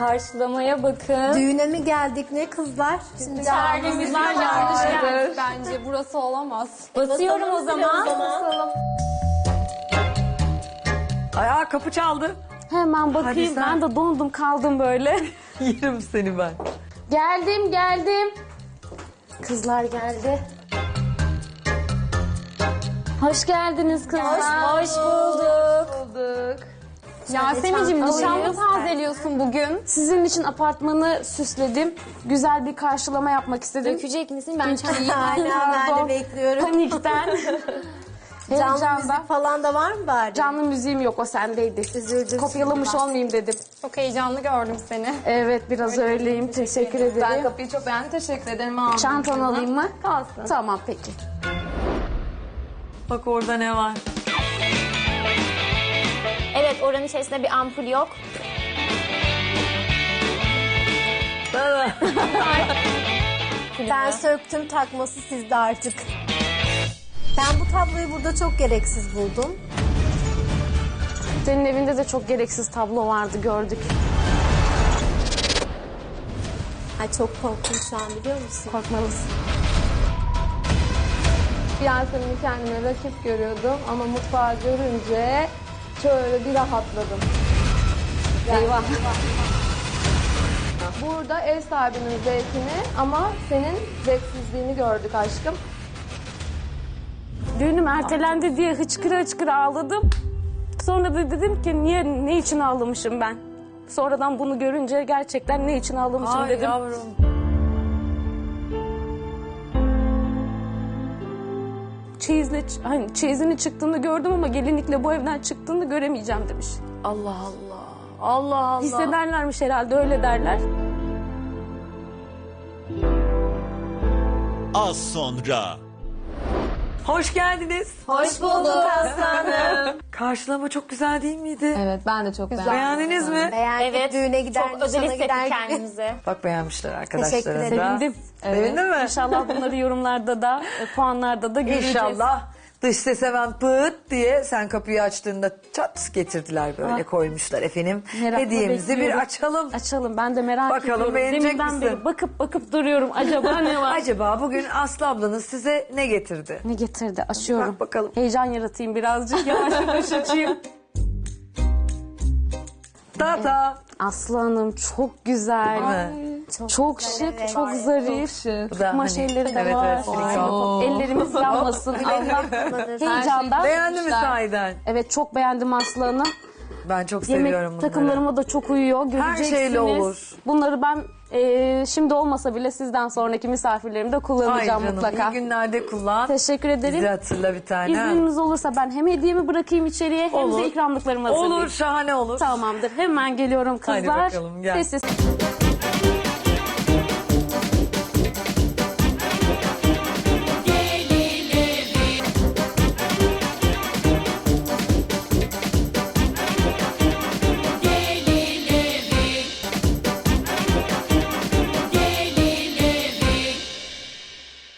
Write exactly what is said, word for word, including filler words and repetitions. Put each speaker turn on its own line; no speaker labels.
Karşılamaya bakın.
Düğüne mi geldik ne kızlar? Şimdi
Terlimizler yanlış gelmiş.
Bence burası olamaz.
Basıyorum o zaman.
Basalım.
Ay aa, kapı çaldı.
Hemen bakayım.
sen.
Ben de dondum kaldım böyle.
Yerim seni ben.
Geldim geldim. Kızlar geldi. Hoş geldiniz kızlar.
Hoş bulduk.
Bulduk. Yasemin'cim nişanlı tazeliyorsun bugün.
Sizin için apartmanı süsledim. Güzel bir karşılama yapmak istedim.
Dökecek misin? Ben çayı.
Aynen ben de
Pardon.
bekliyorum.
Panikten.
Canlı
Heyecanda.
müzik falan da var mı bari?
Canlı müziğim yok, o sendeydi.
Üzüldüm.
Kopyalamış olmayayım dedim.
Çok heyecanlı gördüm seni.
Evet, biraz öyleyim. Teşekkür
Ben
ederim.
kapıyı çok beğendim. Teşekkür ederim. Aldım.
Çantanı alayım mı?
Kalsın.
Tamam, peki.
Bak orada ne var.
Evet, oranın içerisinde bir ampul yok.
Ben söktüm, takması sizde artık. Ben bu tabloyu burada çok gereksiz buldum.
Senin evinde de çok gereksiz tablo vardı, gördük.
Ay çok korktum şu an biliyor musun?
Korkmalısın.
Yasemin'i kendime rakip görüyordum ama mutfağı görünce şöyle bir rahatladım.
Eyvah.
Burada ev sahibinin zevkini ama senin zevksizliğini gördük aşkım.
Düğünüm ertelendi diye hıçkıra hıçkıra ağladım. Sonra da dedim ki niye, ne için ağlamışım ben? Sonradan bunu görünce gerçekten ne için ağlamışım
Ay
dedim.
yavrum.
Çeyizle, hani çeyizini çıktığını gördüm ama gelinlikle bu evden çıktığını göremeyeceğim demiş.
Allah Allah. Allah Allah.
Hissederlermiş herhalde, öyle derler.
Az sonra.
Hoş geldiniz.
Hoş bulduk aslanım.
Karşılama çok güzel değil miydi?
Evet ben de çok beğendim.
Beğendiniz mi?
Beğendik
Evet.
düğüne gider,
Çok özel
nişana gider
hissettik
gibi.
kendimizi.
Bak beğenmişler
Teşekkür
arkadaşlara da.
ederim.
Sevindim.
Sevindin mi?
İnşallah bunları yorumlarda da, e, puanlarda da göreceğiz.
İnşallah. Dış ses hemen pıt diye sen kapıyı açtığında çat getirdiler böyle koymuşlar efendim.
Merakla
Hediyemizi bir
bekliyorum.
açalım.
Açalım, ben de merak
Bakalım,
ediyorum.
beğenecek
Deminden
misin?
beri bakıp bakıp duruyorum. Acaba ne var?
Acaba bugün Aslı ablanız size ne getirdi?
Ne getirdi? Açıyorum.
Bak bakalım.
Heyecan yaratayım birazcık. Yavaş yavaş açayım.
Tata.
Aslı Hanım çok güzel.
Değil mi?
Çok, şık, çok zarif.
Bu da
Kumaş
hani-
elleri de
evet,
var.
evet, silikon.
Ellerimiz yanmasın. Allah heyecandan.
Beğendi mi sahiden?
Evet, çok beğendim Aslı Hanım.
Ben çok
Yemek
seviyorum bunları.
takımlarıma da çok uyuyor. Göreceksiniz.
şeyle olur.
Bunları ben e, şimdi olmasa bile sizden sonraki misafirlerimde
Ay
kullanacağım
canım,
mutlaka.
iyi günlerde kullan.
Teşekkür ederim.
Bizi hatırla bir tane.
İzniniz olursa ben hem hediyemi bırakayım içeriye hem
Olur.
de ikramlıklarımı hazırlayayım.
Olur, şahane olur.
Tamamdır. Hemen geliyorum kızlar.
Hadi bakalım, gel.
Sessiz.